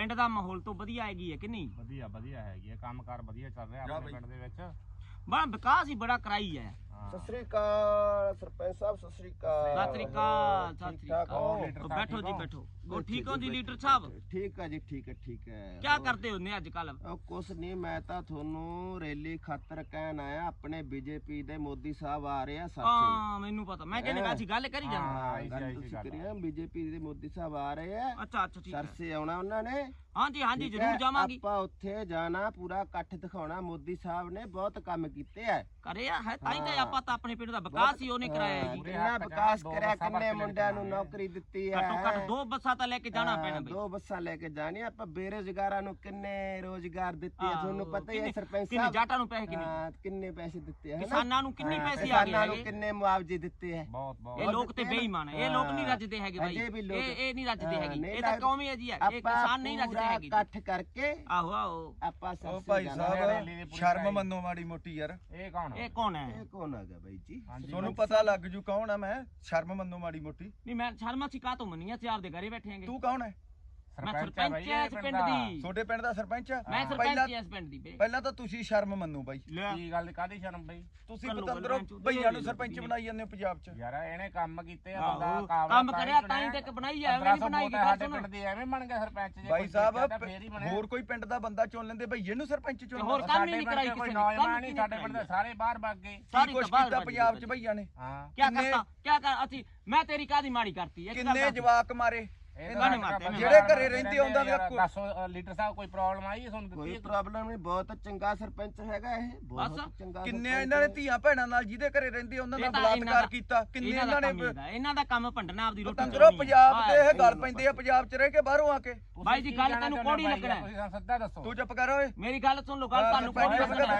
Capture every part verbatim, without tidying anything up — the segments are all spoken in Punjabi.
ਪਿੰਡ ਦਾ ਮਾਹੌਲ ਤੋਂ ਵਧੀਆ ਹੈਗੀ ਹੈ ਕਿ ਨਹੀਂ? ਵਧੀਆ ਵਧੀਆ ਹੈਗੀ ਹੈ, ਕੰਮਕਾਰ ਵਧੀਆ ਚੱਲ ਰਿਹਾ ਆਪਣੇ ਪਿੰਡ ਦੇ ਵਿੱਚ। ਬਾ ਵਿਕਾਸ ਹੀ ਬੜਾ ਕਰਾਈ ਹੈ। ਸਤਿ ਸ੍ਰੀ ਅਕਾਲ ਸਰਪੰਚ ਸਾਹਿਬ, ਸਤਿ ਸ੍ਰੀ ਅਕਾਲ। ਸਤਿ ਸ੍ਰੀ ਅਕਾਲ, ਸਤਿ ਸ੍ਰੀ ਅਕਾਲ। ਬੈਠੋ ਜੀ ਬੈਠੋ। ਉਹ ਠੀਕ ਹੋ ਜੀ ਲੀਡਰ ਸਾਹਿਬ? ਠੀਕ ਹੈ ਜੀ, ਠੀਕ ਹੈ ਠੀਕ ਹੈ। ਕੀ ਕਰਦੇ ਹੁੰਦੇ ਅੱਜ ਕੱਲ? ਉਹ ਕੁਛ ਨਹੀਂ, ਮੈਂ ਤਾਂ ਤੁਹਾਨੂੰ ਰੈਲੀ ਖਾਤਰ ਕਹਿਣ ਆਇਆ, ਆਪਣੇ ਬੀਜੇਪੀ ਦੇ ਮੋਦੀ ਸਾਹਿਬ ਆ ਰਹੇ ਆ ਸਰਸੇ। ਹਾਂ ਮੈਨੂੰ ਪਤਾ, ਮੈਂ ਕਹਿੰਦਾ ਅਸੀਂ ਗੱਲ ਕਰੀ ਜਾਣਾ। ਹਾਂ ਗੱਲ ਤੁਸੀਂ ਕਰੀਏ, ਬੀਜੇਪੀ ਦੇ ਮੋਦੀ ਸਾਹਿਬ ਆ ਰਹੇ ਆ। ਅੱਛਾ ਅੱਛਾ ਠੀਕ ਹੈ। ਸਰਸੇ ਆਉਣਾ ਉਹਨਾਂ ਨੇ। ਹਾਂਜੀ ਹਾਂਜੀ ਜ਼ਰੂਰ ਜਾਵਾਂਗੇ। ਆਪਾਂ ਉੱਥੇ ਜਾਣਾ, ਪੂਰਾ ਇਕੱਠ ਦਿਖਾਉਣਾ। ਮੋਦੀ ਸਾਹਿਬ ਨੇ ਬਹੁਤ ਕੰਮ ਕੀਤੇ ਆ। ਕਰਿਆ ਹੈ ਤਾਂ ਹੀ ਤਾਂ ਆਪਾਂ ਤਾਂ ਆਪਣੇ ਪਿੰਡ ਦਾ ਵਿਕਾਸ ਹੀ ਉਹਨੇ ਕਰਾਇਆ ਜੀ। ਕਿੰਨਾ ਵਿਕਾਸ ਕਰਿਆ, ਕਿੰਨੇ ਮੁੰਡਿਆਂ ਨੂੰ ਨੌਕਰੀ ਦਿੱਤੀ ਹੈ। ਘੱਟੋ ਘੱਟ ਦੋ ਬੱਸਾਂ ਤਾਂ ਲੈ ਕੇ ਜਾਣਾ ਪੈਣਾ ਬਈ। ਦੋ ਬੱਸਾਂ ਲੈ ਕੇ ਜਾਣੀ। ਆਪਾਂ ਬੇਰੁਜ਼ਗਾਰਾਂ ਨੂੰ ਕਿੰਨੇ ਰੋਜ਼ਗਾਰ ਦਿੱਤੇ ਆ, ਤੁਹਾਨੂੰ ਪਤਾ ਹੀ ਹੈ ਸਰਪੰਚ ਕਿੰਨੇ ਸਾਹਿਬ। ਜਾਟਾਂ ਨੂੰ ਪੈਸੇ ਕਿੰਨੇ ਕਿੰਨੇ ਪੈਸੇ ਦਿੱਤੇ ਆ, ਕਿਸਾਨਾਂ ਨੂੰ ਕਿੰਨੇ ਪੈਸੇ ਆ ਗਏ ਕਿਸਾਨਾਂ ਨੂੰ ਕਿੰਨੇ ਮੁਆਵਜ਼ੇ ਦਿੱਤੇ ਆ। ਬਹੁਤ ਬਹੁਤ ਇਹ ਲੋਕ ਤੇ ਬੇਈਮਾਨ ਹੈ, ਇਹ ਲੋਕ ਨਹੀਂ ਰੱਜਦੇ ਹੈਗੇ ਬਾਈ। ਇਹ ਇਹ ਨਹੀਂ ਰੱਜਦੇ ਹੈਗੇ, ਇਹ ਤਾਂ ਕੌਮ ਹੀ ਹੈ ਜੀ। ਇਹ ਕਿਸਾਨ ਨਹੀਂ ਰੱਜਦੇ ਹੈਗੇ। ਇਕੱਠ ਕਰਕੇ ਆਹੋ ਆਹੋ ਆਪਾਂ ਉਹ ਭਾਈ ਸਾਹਿਬ ਸ਼ਰਮ ਮੰਨੋ ਮਾੜੀ ਮੋਟੀ ਯਾਰ। ਇਹ ਕੌਣ? ਇਹ ਕੌਣ ਹੈ? ਇਹ ਕੌਣ ਹੈਗਾ ਬਾਈ ਜੀ? ਤੁਹਾਨੂੰ ਪਤਾ ਲੱਗ ਜੂ ਕੌਣ ਆ ਮੈਂ। ਸ਼ਰਮ ਮੰਨੋ ਮਾੜੀ ਮੋਟੀ। ਨਹੀਂ ਮੈਂ ਸ਼ਰਮਾ ਸੀ ਕਾਹ ਤੋਂ ਮੰਨੀ ਆ, ਚਾਰ ਦੇ ਘਰੇ ਬੈਠੇ ਆਂਗੇ। ਤੂੰ ਕੌਣ ਹੈ? ਮੈਂ ਸਰਪੰਚ ਐ ਇਸ ਪਿੰਡ ਦੀ। ਤੁਹਾਡੇ ਪਿੰਡ ਦਾ ਸਰਪੰਚ ਆ? ਮੈਂ ਸਰਪੰਚ ਐ ਇਸ ਪਿੰਡ ਦੀ ਬੇ। ਪਹਿਲਾਂ ਤਾਂ ਤੁਸੀਂ ਸ਼ਰਮ ਮੰਨੋ ਬਾਈ। ਕੀ ਗੱਲ ਕਾਦੀ ਸ਼ਰਮ ਬਈ? ਤੁਸੀਂ ਪਤੰਦਰੋਂ ਭਈਆਂ ਨੂੰ ਸਰਪੰਚ ਬਣਾਈ ਜਾਂਦੇ ਹੋ ਪੰਜਾਬ 'ਚ। ਯਾਰ ਇਹਨੇ ਕੰਮ ਕੀਤੇ ਆ, ਬੰਦਾ ਕਾਬਲ ਕੰਮ ਕਰਿਆ ਤਾਂ ਹੀ ਤੱਕ ਬਣਾਈ ਐ, ਐਵੇਂ ਨਹੀਂ ਬਣਾਈ ਗਈ। ਸਾਡੇ ਪਿੰਡ ਦੀ ਐਵੇਂ ਬਣ ਗਿਆ ਸਰਪੰਚ ਜੀ। ਬਾਈ ਸਾਹਿਬ ਹੋਰ ਕੋਈ ਪਿੰਡ ਦਾ ਬੰਦਾ ਚੁਣ ਲੈਂਦੇ ਭਈਏ ਨੂੰ ਸਰਪੰਚ ਚੁਣ। ਹੋਰ ਕੰਮ ਹੀ ਨਹੀਂ ਕਰਾਈ ਕਿਸੇ ਕੋਈ ਨੇ। ਨੌਜਵਾਨ ਨਹੀਂ ਸਾਡੇ ਪਿੰਡ ਦੇ, ਸਾਰੇ ਬਾਹਰ ਭੱਗ ਗਏ। ਕੀ ਕੁਛ ਕੀਤਾ ਪੰਜਾਬ 'ਚ ਭਈਆਂ ਨੇ? ਹਾਂ ਕੀ ਕਰਤਾ ਕੀ ਕਰ ਅਸੀਂ ਮੈਂ ਤੇਰੀ ਕਾਦੀ ਮਾੜੀ ਕਰਤੀ? ਕਿੰਨੇ ਜਵਾਕ ਮਾਰੇ ਜਿਹੜੇ ਘਰੇ ਰਹਿੰਦੇ ਉਹਨਾਂ ਦੇ। ਦੱਸੋ ਲੀਡਰ ਸਾਹਿਬ ਕੋਈ ਪ੍ਰੋਬਲਮ ਆਈ ਹੈ ਤੁਹਾਨੂੰ? ਕੋਈ ਪ੍ਰੋਬਲਮ ਨਹੀਂ, ਬਹੁਤ ਚੰਗਾ ਸਰਪੰਚ ਹੈਗਾ ਇਹ, ਬਹੁਤ ਚੰਗਾ। ਕਿੰਨੇ ਇਹਨਾਂ ਨੇ ਧੀਆਂ ਭੈਣਾਂ ਨਾਲ ਜਿਹਦੇ ਘਰੇ ਰਹਿੰਦੇ ਉਹਨਾਂ ਦਾ ਬਲਾਤਕਾਰ ਕੀਤਾ। ਕਿੰਨੇ ਇਹਨਾਂ ਨੇ ਇਹਨਾਂ ਦਾ ਕੰਮ ਭੰਡਣਾ ਆਪਦੀ ਰੋਟੀ। ਤੰਦਰੋਂ ਪੰਜਾਬ ਤੇ ਇਹ ਗੱਲ ਪੈਂਦੀ ਆ, ਪੰਜਾਬ 'ਚ ਰਹਿ ਕੇ ਬਾਹਰੋਂ ਆ ਕੇ। ਬਾਈ ਜੀ ਗੱਲ ਤੈਨੂੰ ਕੋੜੀ ਲੱਗਣਾ। ਤੁਸੀਂ ਸਿੱਧਾ ਦੱਸੋ। ਤੂੰ ਚੁੱਪ ਕਰ ਓਏ। ਮੇਰੀ ਗੱਲ ਸੁਣ ਲਓ, ਗੱਲ ਤੁਹਾਨੂੰ ਕੋੜੀ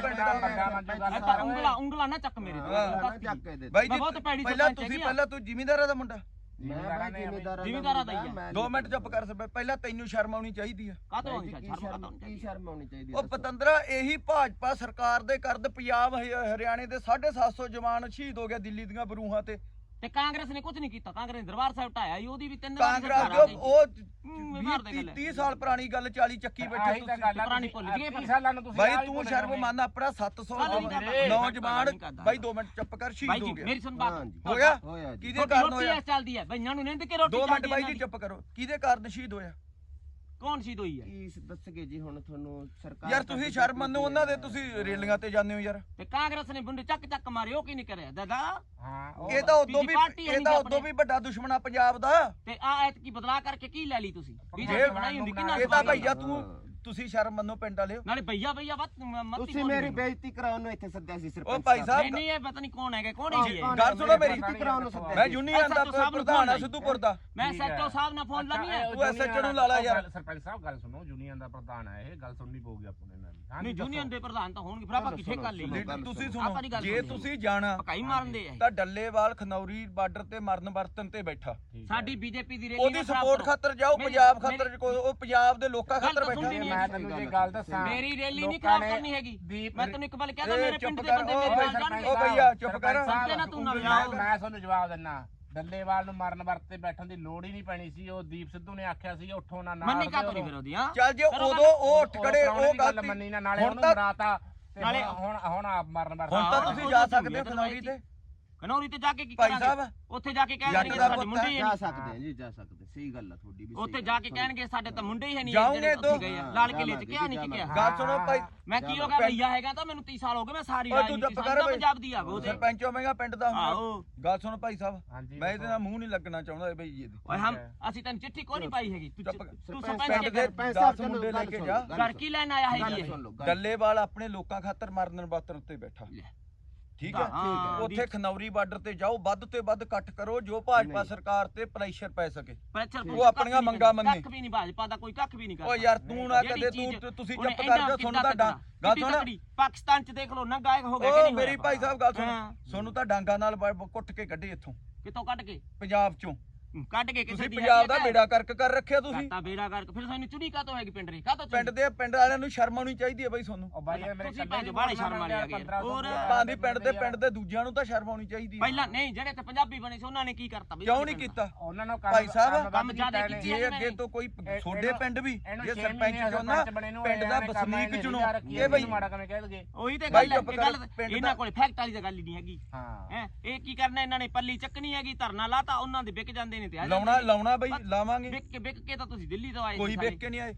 ਲੱਗਣਾ। ਉਂਗਲਾ ਉਂਗਲਾ ਨਾ ਚੱਕ ਮੇਰੇ ਤੇ। ਬਾਈ ਜੀ ਪਹਿਲਾਂ ਤੁਸੀਂ ਪਹਿਲਾਂ ਤੂੰ ਜ਼ਿਮੀਂਦਾਰਾਂ ਦਾ ਮੁੰਡਾ। ਜ਼ਿਮੀਂਦਾਰਾਂ ਦਾ ਹੀ ਹੈ। ਦੋ ਮਿੰਟ ਚੁੱਪ ਕਰ ਸਕੇ। ਪਹਿਲਾਂ ਤੈਨੂੰ ਸ਼ਰਮ ਆਉਣੀ ਚਾਹੀਦੀ ਆ। ਕਾਹਤੋਂ ਆਉਣੀ ਚਾਹੀਦੀ? ਕੀ ਸ਼ਰਮ ਆਉਣੀ ਚਾਹੀਦੀ? ਉਹ ਪਤੰਦਰਾ ਇਹੀ ਭਾਜਪਾ ਸਰਕਾਰ ਦੇ ਕਰਦ ਪੰਜਾਬ ਹਰਿਆਣੇ ਦੇ ਸਾਢੇ ਸੱਤ ਸੌ ਜਵਾਨ ਸ਼ਹੀਦ ਹੋ ਗਿਆ ਦਿੱਲੀ ਦੀਆਂ ਬਰੂਹਾਂ ਤੇ। ਤੇ ਕਾਂਗਰਸ ਨੇ ਕੁਝ ਨਹੀਂ ਕੀਤਾ। ਕਾਂਗਰਸ ਨੇ ਦਰਬਾਰ ਸਾਹਿਬ ਢਾਇਆ ਹੀ, ਉਹਦੀ ਵੀ ਤਿੰਨ ਕਾਂਗਰਸ ਉਹ ਤੀਹ ਸਾਲ ਪੁਰਾਣੀ ਗੱਲ ਚਾਲੀ ਚੱਕੀ ਬੈਠੇ ਤੁਸੀਂ। ਪੁਰਾਣੀ ਭੁੱਲ ਗਏ ਬਾਈ ਤੂੰ ਸ਼ਰਮ ਮੰਨ, ਆਪਣਾ ਸੱਤ ਸੌ ਨੌਜਵਾਨ। ਬਾਈ ਦੋ ਮਿੰਟ ਚੁੱਪ ਕਰ, ਸ਼ਹੀਦ ਹੋ ਗਿਆ। ਮੇਰੀ ਸੁਣ ਬਾਤ ਹੋਇਆ ਕਿਹਦੇ ਕਾਰਨ ਹੋਇਆ? ਚੱਲਦੀ ਹੈ ਬਈਆਂ ਨੂੰ ਨਿੰਦ ਕੇ ਰੋਟੀ। ਦੋ ਮਿੰਟ ਬਾਈ ਜੀ ਚੁੱਪ ਕਰੋ। ਕਿਹਦੇ ਕਾਰਨ ਸ਼ਹੀਦ ਹੋਇਆ? ਕੌਣ ਸ਼ਹੀਦ ਹੋਈ ਹੈ? ਕੀ ਦੱਸਗੇ ਜੀ ਹੁਣ ਤੁਹਾਨੂੰ ਸਰਕਾਰ? ਯਾਰ ਤੁਸੀਂ ਸ਼ਰਮ ਮੰਨੋ, ਉਹਨਾਂ ਦੇ ਤੁਸੀਂ ਰੇਲੀਆਂ ਤੇ ਜਾਂਦੇ ਹੋ ਯਾਰ। ਤੇ ਕਾਂਗਰਸ ਨੇ ਬੁੰਡੇ ਚੱਕ ਚੱਕ ਮਾਰੇ, ਉਹ ਕੀ ਨਹੀਂ ਕਰਿਆ ਦਾਦਾ? ਹਾਂ ਇਹ ਤਾਂ ਉਦੋਂ ਵੀ ਇਹ ਤਾਂ ਉਦੋਂ ਵੀ ਵੱਡਾ ਦੁਸ਼ਮਣ ਆ ਪੰਜਾਬ ਦਾ। ਤੇ ਆ ਐਤ ਕੀ ਬਦਲਾ ਕਰਕੇ ਕੀ ਲੈ ਲਈ ਤੁਸੀਂ? ਬੀਜੇਪੀ ਬਣਾਈ ਹੁੰਦੀ ਕਿੰਨਾ? ਇਹ ਤਾਂ ਭਈਆ ਤੂੰ ਤੁਸੀਂ ਸ਼ਰਮ ਮੰਨੋ ਪਿੰਡ ਵਾਲਿਓ। ਨਾਲੇ ਭਈਆ ਭਈਆ ਵੱਤ ਤੁਸੀਂ ਮੇਰੀ ਬੇਇੱਜ਼ਤੀ ਕਰਾਉਣ ਨੂੰ ਇੱਥੇ ਸੱਦਿਆ ਸੀ ਸਰਪੰਚ। ਉਹ ਭਾਈ ਸਾਹਿਬ ਨਹੀਂ ਨਹੀਂ ਇਹ ਪਤਾ ਨਹੀਂ ਕੌਣ ਹੈਗਾ, ਕੌਣ ਹੀ ਹੈ। ਗੱਲ ਸੁਣੋ ਮੇਰੀ, ਕਰਾਉਣ ਨੂੰ ਸੱਦਿਆ। ਮੈਂ ਯੂਨੀਅਨ ਦਾ ਪ੍ਰਧਾਨ ਆ ਸਿੱਧੂਪੁਰ ਦਾ। ਮੈਂ ਸੈਕਟਰ ਸਾਹਿਬ ਨਾਲ ਫੋਨ ਲਾਵੀ ਹੈ। ਤੂੰ ਐਸਐਚਓ ਨੂੰ ਲਾ ਲਾ ਯਾਰ। ਸਰਪੰਚ ਸਾਹਿਬ ਗੱਲ ਸੁਣੋ, ਯੂਨੀਅਨ ਦਾ ਪ੍ਰਧਾਨ ਹੈ ਇਹ, ਗੱਲ ਸੁਣਨੀ ਪਊਗੀ ਆਪਾਂ ਨੂੰ। ਨਹੀਂ ਯੂਨੀਅਨ ਦੇ ਪ੍ਰਧਾਨ ਤਾਂ ਹੋਣਗੇ, ਫਿਰ ਆਪਾਂ ਕਿੱਥੇ ਕਰ ਲਈ? ਤੁਸੀਂ ਸੁਣੋ, ਜੇ ਤੁਸੀਂ ਜਾਣਾ ਪਕਾਈ ਮਾਰਨ ਦੇ ਤਾਂ ਡੱਲੇਵਾਲ ਖਨੌਰੀ ਬਾਰਡਰ ਤੇ ਮਰਨ ਵਰਤਨ ਤੇ ਬੈਠਾ। ਸਾਡੀ ਬੀਜੇਪੀ ਦੀ ਰੈਲੀ ਉਹਦੀ ਸਪੋਰਟ ਖਾਤਰ ਜਾਓ, ਪੰਜਾਬ ਖਾਤਰ ਉਹ ਪੰਜਾਬ ਦੇ ਲੋਕਾਂ ਖਾਤਰ ਬੈਠਾ। ਮੈਂ ਤੈਨੂੰ ਇਹ ਗੱਲ ਦੱਸਾਂ, ਮੇਰੀ ਰੈਲੀ ਨਹੀਂ ਖਰਾਬ ਕਰਨੀ ਹੈਗੀ। ਮੈਂ ਤੈਨੂੰ ਇੱਕ ਵਾਰ ਕਹਿਦਾ ਮੇਰੇ ਪਿੰਡ ਦੇ ਬੰਦੇ ਮੇਰੇ ਨਾਲ ਜਾਣਗੇ। ਉਹ ਭਈਆ ਚੁੱਪ ਕਰ। ਨਾ ਤੂੰ ਨਾ ਲਾਓ। ਮੈਂ ਤੁਹਾਨੂੰ ਜਵਾਬ ਦਿੰਨਾ, ਡੱਲੇਵਾਲ ਨੂੰ ਮਰਨ ਵਰਤ ਤੇ ਬੈਠਣ ਦੀ ਲੋੜ ਹੀ ਨਹੀਂ ਪੈਣੀ ਸੀ। ਉਹ ਦੀਪ ਸਿੱਧੂ ਨੇ ਆਖਿਆ ਸੀ ਉੱਠੋ ਨਾ ਨਾਲ ਮੰਨੀ ਕਾ ਤੋਂ ਨਹੀਂ ਫਿਰ ਉਹਦੀਆਂ। ਚੱਲ ਜੇ ਉਦੋਂ ਉਹ ਉੱਠ ਖੜੇ, ਉਹ ਗੱਲ ਮੰਨੀ ਨਾ, ਨਾਲੇ ਉਹਨੂੰ ਮਰਾਤਾ। ਨਾਲੇ ਹੁਣ ਹੁਣ ਆਪ ਮਰਨ ਵਰਤ। ਹੁਣ ਤਾਂ ਤੁਸੀਂ ਜਾ ਸਕਦੇ ਹੋ ਖਨੌਰੀ ਤੇ। ਖਨੌਰੀ ਤੇ ਜਾ ਕੇ ਕੀ ਭਾਈ ਕਰਾਂਗੇ? ਸਾਹਿਬ ਉੱਥੇ ਜਾ ਕੇ ਕਹਿਣਗੇ ਸਾਡੇ ਮੁੰਡੇ ਹੀ ਜਾ ਨਹੀਂ। ਸਕਦੇ ਆ ਜੀ, ਜਾ ਸਕਦੇ। ਸਹੀ ਗੱਲ ਆ ਤੁਹਾਡੀ ਵੀ। ਉੱਥੇ ਜਾ ਕੇ ਕਹਿਣਗੇ ਸਾਡੇ ਤਾਂ ਮੁੰਡੇ ਹੀ ਹੈ ਨਹੀਂ। ਜਾਓਗੇ ਤੋਂ ਲਾਲ ਕਿਲੇ ਚ ਕਿਹਾ ਨਹੀਂ ਕਿਹਾ। ਗੱਲ ਸੁਣੋ ਭਾਈ, ਮੈਂ ਕੀ ਹੋ ਗਿਆ ਭਈਆ ਹੈਗਾ ਤਾਂ ਮੈਨੂੰ ਤੀਹ ਸਾਲ ਹੋ ਗਏ। ਮੈਂ ਸਾਰੀ ਰਾਜਨੀਤੀ ਪੰਜਾਬ ਦੀ ਆ ਉਹ ਤੇ ਸਰਪੰਚ ਹੋਵੇਂਗਾ ਪਿੰਡ ਦਾ। ਆਹੋ ਗੱਲ ਸੁਣੋ ਭਾਈ ਸਾਹਿਬ, ਮੈਂ ਇਹਦੇ ਨਾਲ ਮੂੰਹ ਨਹੀਂ ਲੱਗਣਾ ਚਾਹੁੰਦਾ ਬਈ ਜੀ। ਓਏ ਹਮ ਅਸੀਂ ਤੈਨੂੰ ਚਿੱਠੀ ਕੋਈ ਨਹੀਂ ਪਾਈ ਹੈਗੀ। ਤੂੰ ਤੂੰ ਸਰਪੰਚ ਦੇ ਦਸ ਮੁੰਡੇ ਲੈ ਕੇ ਜਾ। ਘਰ ਕੀ ਲੈਣ ਆਇਆ ਹੈ ਜੀ? ਡੱਲੇਵਾਲ ਆਪਣੇ ਲੋਕਾਂ ਖਾਤਰ ਮਰਨ ਵਰਤਨ ਉੱਤੇ ਬੈਠਾ। ਠੀਕ ਹੈ, ਉੱਥੇ ਖਨੌਰੀ ਬਾਰਡਰ ਤੇ ਜਾਓ, ਵੱਧ ਤੇ ਵੱਧ ਇਕੱਠ ਕਰੋ ਜੋ ਭਾਜਪਾ ਸਰਕਾਰ ਤੇ ਪ੍ਰੈਸ਼ਰ ਪੈ ਸਕੇ। ਉਹ ਆਪਣੀਆਂ ਮੰਗਾਂ ਮੰਨੇ। ਕੱਖ ਵੀ ਨਹੀਂ ਭਾਜਪਾ ਦਾ ਕੋਈ ਕੱਖ ਵੀ ਨਹੀਂ ਕਰਦਾ। ਓ ਯਾਰ ਤੂੰ ਨਾ ਕਦੇ ਤੂੰ ਤੁਸੀਂ ਚੁੱਪ ਕਰ ਜਾ। ਸੁਣ ਤਾਂ ਡਾਂ ਗੱਲ ਸੁਣ, ਪਾਕਿਸਤਾਨ ਚ ਦੇਖ ਲੋ ਨਾ ਗਾਇਕ ਹੋ ਗਏ ਕਿ ਓ ਨਹੀਂ? ਮੇਰੀ ਭਾਈ ਸਾਹਿਬ ਗੱਲ ਸੁਣ, ਸੋਨੂੰ ਤਾਂ ਡਾਂਗਾ ਨਾਲ ਕੁੱਟ ਕੇ ਕੱਢੇ ਇੱਥੋਂ। ਕਿਤੋਂ ਕੱਢ ਕੇ? ਪੰਜਾਬ ਚੋਂ। ਕੱਢ ਕੇ ਕਿਸੇ ਤੁਸੀਂ ਦੀ ਪੰਜਾਬ ਦਾ ਬੇੜਾ ਕਰਕ ਕਰ ਰੱਖਿਆ ਤੁਸੀਂ ਤਾਂ ਬੇੜਾ ਕਰਕੇ ਫਿਰ ਸਾਨੂੰ ਚੁਣੀ ਕਾਤੋਂ ਹੈਗੀ ਪਿੰਡ ਰੇ ਕਾਤੋਂ ਪਿੰਡ ਦੇ ਪਿੰਡ ਵਾਲਿਆਂ ਨੂੰ ਸ਼ਰਮ ਆਉਣੀ ਚਾਹੀਦੀ ਹੈ ਬਾਈ ਤੁਹਾਨੂੰ ਉਹ ਬਾਈ ਮੇਰੇ ਤੁਸੀਂ ਭਾਂਜੋ ਬਾਹਲੇ ਸ਼ਰਮ ਵਾਲੇ ਆ ਗਏ ਹੋਰ ਪਾਂਦੀ ਪਿੰਡ ਦੇ ਪਿੰਡ ਦੇ ਦੂਜਿਆਂ ਨੂੰ ਤਾਂ ਸ਼ਰਮ ਆਉਣੀ ਚਾਹੀਦੀ ਹੈ ਪਹਿਲਾਂ ਨਹੀਂ ਜਿਹੜੇ ਤੇ ਪੰਜਾਬੀ ਬਣੇ ਸੀ ਉਹਨਾਂ ਨੇ ਕੀ ਕਰਤਾ ਬਈ ਕਿਉਂ ਨਹੀਂ ਕੀਤਾ ਉਹਨਾਂ ਨੂੰ ਭਾਈ ਸਾਹਿਬ ਕੰਮ ਜ਼ਿਆਦਾ ਕੀਤੀ ਜੇ ਅੱਗੇ ਤੋਂ ਕੋਈ ਛੋਡੇ ਪਿੰਡ ਵੀ ਜੇ ਸਰਪੰਚ ਚੁਣਨਾ ਪਿੰਡ ਦਾ ਵਸਨੀਕ ਚੁਣੋ ਇਹ ਬਈ ਮਾੜਾ ਕੰਮ ਕਹਿ ਦਗੇ ਉਹੀ ਤੇ ਗੱਲ ਹੈ ਇਹਨਾਂ ਕੋਲੇ ਫੈਕਟ ਵਾਲੀ ਤਾਂ ਗੱਲ ਹੀ ਨਹੀਂ ਹੈਗੀ ਹੈ ਇਹ ਕੀ ਕਰਨਾ ਇਹਨਾਂ ਨੇ ਪੱਲੀ ਚੱਕਣੀ ਹੈਗੀ ਧਰਨਾ ਲਾਤਾ ਉਹਨਾਂ ਦੇ ਵਿਕ ਜਾਂਦੇ ਨੇ ਤੇ ਲਾਉਣਾ ਲਾਉਣਾ ਬਈ ਲਾਵਾਂਗੇ ਵਿਕ ਕੇ ਵਿਕ ਕੇ ਤਾਂ ਤੁਸੀਂ ਦਿੱਲੀ ਤੋਂ ਆਏ ਕੋਈ ਵਿਕ ਕੇ ਨਹੀਂ ਆਏ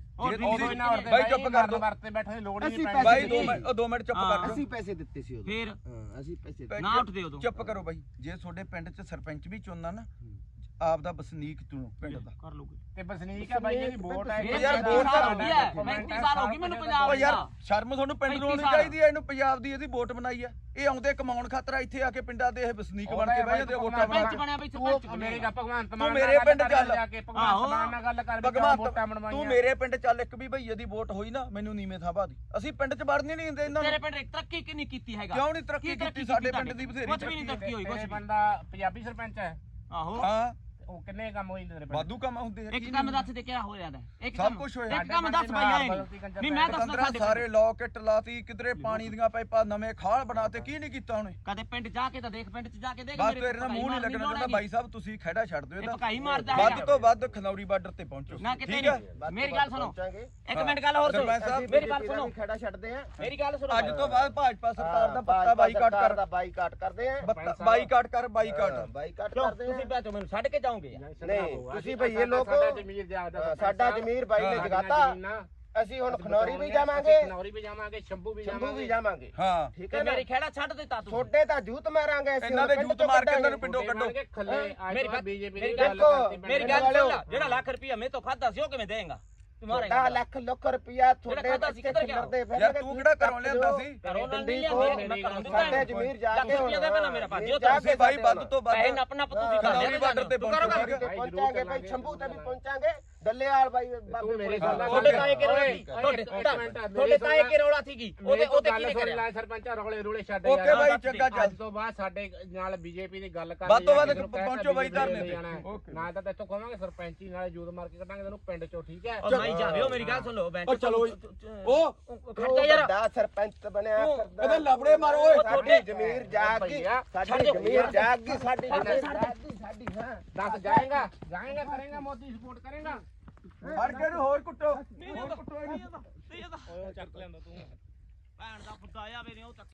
ਜੇ ਬਾਈ ਚੁੱਪ ਕਰ ਦੋ ਵਰਤੇ ਬੈਠੇ ਲੋੜ ਹੀ ਨਹੀਂ ਬਾਈ ਦੋ ਮਿੰਟ ਦੋ ਮਿੰਟ ਚੁੱਪ ਕਰ ਅਸੀਂ ਪੈਸੇ ਦਿੱਤੇ ਸੀ ਉਦੋਂ ਫੇਰ ਹਾਂ ਅਸੀਂ ਪੈਸੇ ਨਾ ਉੱਠਦੇ ਉਦੋਂ ਚੁੱਪ ਕਰੋ ਬਾਈ ਜੇ ਤੁਹਾਡੇ ਪਿੰਡ 'ਚ ਸਰਪੰਚ ਵੀ ਚੁਣਨਾ ਨਾ ਆਪ ਦਾ ਵਸਨੀਕ ਚੁਣੋ ਪਿੰਡ ਦਾ ਕਰ ਲਓਗੇ ਤੇ ਵਸਨੀਕ ਹੈ ਬਾਈ ਇਹਦੀ ਵੋਟ ਹੈ ਯਾਰ ਵੋਟ ਤਾਂ ਹੁੰਦੀ ਹੈ ਪੈਂਤੀ ਸਾਲ ਹੋ ਗਈ ਮੈਨੂੰ ਪੰਜਾਬ ਓ ਦਾ ਯਾਰ ਸ਼ਰਮ ਤੁਹਾਨੂੰ ਪਿੰਡ ਨੂੰ ਆਉਣੀ ਚਾਹੀਦੀ ਹੈ ਇਹਨੂੰ ਪੰਜਾਬ ਦੀ ਇਹਦੀ ਵੋਟ ਬਣਾਈ ਹੈ ਇਹ ਆਉਂਦੇ ਕਮਾਉਣ ਖਾਤਰ ਇੱਥੇ ਆ ਕੇ ਪਿੰਡਾਂ ਦੇ ਇਹ ਵਸਨੀਕ ਬਣ ਕੇ ਬਹਿ ਜਾਂਦੇ ਵੋਟਾਂ ਬਣਾ ਸਰਪੰਚ ਬਣਿਆ ਬਈ ਸਰਪੰਚ ਮੇਰੇ ਦਾ ਭਗਵੰਤ ਤੂੰ ਮਾਨ ਮੇਰੇ ਪਿੰਡ ਚੱਲ ਜਾ ਕੇ ਭਗਵੰਤ ਮਾਨ ਨਾਲ ਗੱਲ ਕਰ ਵੀ ਵੋਟਾਂ ਬਣਵਾਈਆਂ ਤੂੰ ਮੇਰੇ ਪਿੰਡ ਚੱਲ ਇੱਕ ਵੀ ਭਈਏ ਦੀ ਵੋਟ ਹੋਈ ਨਾ ਮੈਨੂੰ ਨੀਵੇਂ ਥਾਂ ਪਾ ਦੀ ਅਸੀਂ ਪਿੰਡ 'ਚ ਵੜਨੀ ਨਹੀਂ ਦਿੰਦੇ ਇਹਨਾਂ ਤੇਰੇ ਨੂੰ ਪਿੰਡ ਤਰੱਕੀ ਕਿ ਨਹੀਂ ਕੀਤੀ ਹੈਗਾ ਕਿਉਂ ਨਹੀਂ ਤਰੱਕੀ ਕੀਤੀ ਸਾਡੇ ਪਿੰਡ ਦੀ ਬਥੇਰੀ ਕੁਝ ਵੀ ਨਹੀਂ ਤਰੱਕੀ ਹੋਈ ਕੁਝ ਇਹ ਵੀ ਬੰਦਾ ਪੰਜਾਬੀ ਸਰਪੰਚ ਹੈ ਆਹੋ ਹਾਂ ਉਹ ਕਿੰਨੇ ਕੰਮ ਹੋਈ ਤੇਰੇ ਪਿੰਡ ਵਾਧੂ ਕੰਮ ਹੁੰਦੇ ਇੱਕ ਕੰਮ ਦੱਸ ਦੇ ਕਿਹੜਾ ਹੋਇਆ ਦਾ ਇੱਕ ਸਭ ਕੰਮ ਕੁਝ ਹੋਇਆ ਇੱਕ ਕੰਮ ਦੱਸ ਬਈ ਆਏ ਨਹੀਂ ਮੈਂ ਦੱਸਦਾ ਪੰਦਰਾਂ ਸਾਡੇ ਸਾਰੇ ਲੋਕਟ ਲਾਤੀ ਕਿਧਰੇ ਪਾਣੀ ਦੀਆਂ ਪਾਈਪਾਂ ਨਵੇਂ ਖਾਲ ਬਣਾਤੇ ਕੀ ਨਹੀਂ ਕੀਤਾ ਉਹਨੇ ਕਦੇ ਪਿੰਡ ਜਾ ਕੇ ਤਾਂ ਦੇਖ ਪਿੰਡ 'ਚ ਜਾ ਕੇ ਦੇਖ ਬਸ ਤੇਰੇ ਨਾਲ ਮੂੰਹ ਨਹੀਂ ਲੱਗਣਾ ਚਾਹੁੰਦਾ ਬਾਈ ਸਾਹਿਬ ਤੁਸੀਂ ਖਹਿੜਾ ਛੱਡ ਦਿਓ ਇਹ ਇਹਦਾ ਭਕਾਈ ਮਾਰਦਾ ਵੱਧ ਹੈਗਾ ਤੋਂ ਵੱਧ ਖਨੌਰੀ ਬਾਰਡਰ ਤੇ ਪਹੁੰਚੋ ਨਾ ਕਿਤੇ ਠੀਕ ਹੈ ਨਹੀਂ ਮੇਰੀ ਗੱਲ ਸੁਣੋ ਪਹੁੰਚਾਂਗੇ ਇੱਕ ਮਿੰਟ ਗੱਲ ਹੋਰ ਸੁਣੋ ਸਰਪੰਚ ਸਾਹਿਬ ਮੇਰੀ ਗੱਲ ਸੁਣੋ ਖੜਾ ਛੱਡਦੇ ਆ ਮੇਰੀ ਗੱਲ ਸੁਣੋ ਅੱਜ ਤੋਂ ਬਾਅਦ ਭਾਜਪਾ ਸਰਕਾਰ ਦਾ ਪੱਤਾ ਬਾਈਕਾਟ ਕਰ ਦਾ ਬਾਈਕਾਟ ਕਰਦੇ ਆ ਬਾਈਕਾਟ ਕਰ ਬਾਈਕਾਟ ਬਾਈਕਾਟ ਕਿਉਂ ਕਰਦੇ ਆ ਤੁਸੀਂ ਭੈਚੋ ਮੈਨੂੰ ਛੱਡ ਕੇ ਜਾਓਗੇ ਨਹੀਂ ਤੁਸੀਂ ਭਈਏ ਲੋਕ ਸਾਡਾ ਜ਼ਮੀਰ ਜਾਦਾ ਸਾਡਾ ਜ਼ਮੀਰ ਬਾਈ ਨੇ ਜਗਾਤਾ ਅਸੀਂ ਹੁਣ ਖਨੌਰੀ ਵੀ ਜਾਵਾਂਗੇ ਖਨੌਰੀ ਵੀ ਜਾਵਾਂਗੇ ਸ਼ੰਭੂ ਵੀ ਸ਼ੰਭੂ ਵੀ ਜਾਵਾਂਗੇ ਜਾਵਾਂਗੇ ਹਾਂ ਠੀਕ ਤੇ ਹੈ ਨਾ ਮੇਰੀ ਖੇੜਾ ਛੱਡ ਦਿੱਤਾ ਤੂੰ ਛੋਟੇ ਤਾਂ ਜੂਤ ਮਾਰਾਂਗੇ ਅਸੀਂ ਇਹਨਾਂ ਦੇ ਜੂਤ ਮਾਰ ਕੇ ਇਹਨਾਂ ਨੂੰ ਪਿੰਡੋਂ ਕੱਢੋ ਖੱਲੇ ਮੇਰੀ ਅੱਜ ਬੀਜੇਪੀ ਮੇਰੀ ਦੀ ਗੱਲ ਗੱਲ ਮੇਰੀ ਗੱਲ ਸੁਣ ਲੈ ਜਿਹੜਾ ਲੱਖ ਰੁਪਇਆ ਮੈਂ ਤੋਂ ਖਾਦਾ ਸੀ ਉਹ ਕਿਵੇਂ ਦੇਂਗਾ ਤੁਹਾਡਾ ਲੱਖ ਲੱਖ ਰੁਪਇਆ ਤੁਹਾਡੇ ਬੱਚੇ ਖਿਲਰਦੇ ਫਿਰ ਯਾਰ ਤੂੰ ਕਿਹੜਾ ਘਰੋਂ ਲਿਆਂਦਾ ਸੀ ਕਰੋ ਨਾ ਡੰਡੀ ਨਹੀਂ ਤੋਂ ਲਿਆ ਮੈਂ ਘਰੋਂ ਦਿੱਤਾ ਸਾਡੇ ਜ਼ਮੀਰ ਜਾ ਕੇ ਲੱਖ ਰੁਪਇਆ ਦੇ ਪਹਿਲਾਂ ਮੇਰਾ ਭਾਜੀਓ ਜਾ ਤੁਸੀਂ ਬਾਈ ਵੱਧ ਤੋਂ ਵੱਧ ਪੈਸੇ ਨੱਪ ਨੱਪ ਤੁਸੀਂ ਖਨੌਰੀ ਖਾਂਦੇ ਬਾਰਡਰ ਤੇ ਤੂੰ ਕਰੋ ਪਹੁੰਚੋ ਗੱਲ। ਪਹੁੰਚਾਂਗੇ ਭਾਈ ਸ਼ੰਭੂ ਤੇ ਵੀ ਪਹੁੰਚਾਂਗੇ ਡੱਲੇਵਾਲ ਬਾਈ ਬਾਬੇ ਮੇਰੇ ਕੋਲ ਨਾਲ ਤੁਹਾਡੇ ਤਾਏ ਕੇ ਰੌਲਾ ਸੀ ਤੁਹਾਡੇ ਤੁਹਾਡੇ ਤਾਏ ਕੇ ਰੌਲਾ ਸੀਗੀ ਉਹਦੇ ਉਹਦੇ ਕੀ ਗੱਲ ਕਰਿਆ ਸਰਪੰਚਾ ਰੌਲੇ ਰੂਲੇ ਛੱਡ ਓਕੇ ਬਾਈ ਚੰਗਾ ਚੱਲ ਅੱਜ ਤੋਂ ਬਾਅਦ ਸਾਡੇ ਨਾਲ ਬੀਜੇਪੀ ਦੀ ਗੱਲ ਕਰ ਵੱਧ ਤੋਂ ਵੱਧ ਪਹੁੰਚੋ ਬਾਈ ਧਰਨੇ ਤੇ ਨਾ ਤਾਂ ਇੱਥੋਂ ਕਹਾਂਗੇ ਸਰਪੰਚੀ ਨਾਲੇ ਜੂਦ ਮਾਰ ਕੇ ਕੱਢਾਂਗੇ ਤੈਨੂੰ ਪਿੰਡ ਚੋਂ ਠੀਕ ਹੈ ਉਹ ਨਹੀਂ ਜਾਵੇ ਮੇਰੀ ਗੱਲ ਸੁਣ ਲਓ ਬੈਂਚ ਚਲੋ ਉਹ ਖੜਦਾ ਯਾਰ ਵੱਡਾ ਸਰਪੰਚ ਬਣਿਆ ਫਿਰਦਾ ਇਹਦੇ ਲਫੜੇ ਮਾਰੋ ਓਏ ਸਾਡੀ ਜ਼ਮੀਰ ਜਾਗ ਗਈ ਸਾਡੀ ਜ਼ਮੀਰ ਜਾਗ ਗਈ ਸਾਡੀ ਜ਼ਮੀਰ ਜਾਗ ਗਈ ਸਾਡੀ ਹਾਂ ਦੱਸ ਜਾਏਗਾ ਜਾਏਗਾ ਕਰੇਗਾ ਮੋਦੀ ਸਪੋਰਟ ਕਰੇਗਾ ਫੜ ਕੇ ਇਹਨੂੰ ਹੋਰ ਕੁੱਟੋ ਨਹੀਂ ਇਹਦਾ ਨਹੀਂ ਇਹਦਾ ਨਹੀਂ ਇਹਦਾ ਚੱਕ ਲੈਂਦਾ ਤੂੰ ਭੈਣ ਦਾ ਫੁੱਦਾ ਆ ਮੇਰੇ ਉਹ